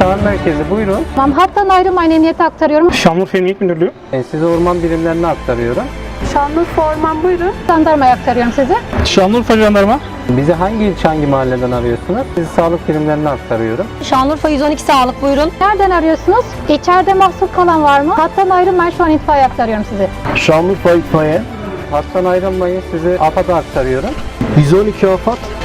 Çağrı merkezi buyurun. Tamam, hattan ayrılmayın, emniyete aktarıyorum. Şanlıurfa Emniyet Müdürlüğü. Size orman birimlerine aktarıyorum. Şanlıurfa Orman buyurun. Jandarmaya aktarıyorum sizi. Şanlıurfa Jandarma. Bizi hangi ilçe, hangi mahalleden arıyorsunuz? Sizi sağlık birimlerine aktarıyorum. Şanlıurfa 112 sağlık buyurun. Nereden arıyorsunuz? İçeride mahsur kalan var mı? Hattan ayrılmayın, şu an itfaiye aktarıyorum sizi. Şanlıurfa itfaiye. Hattan ayrılmayın, sizi AFAD'a aktarıyorum. 112 AFAD.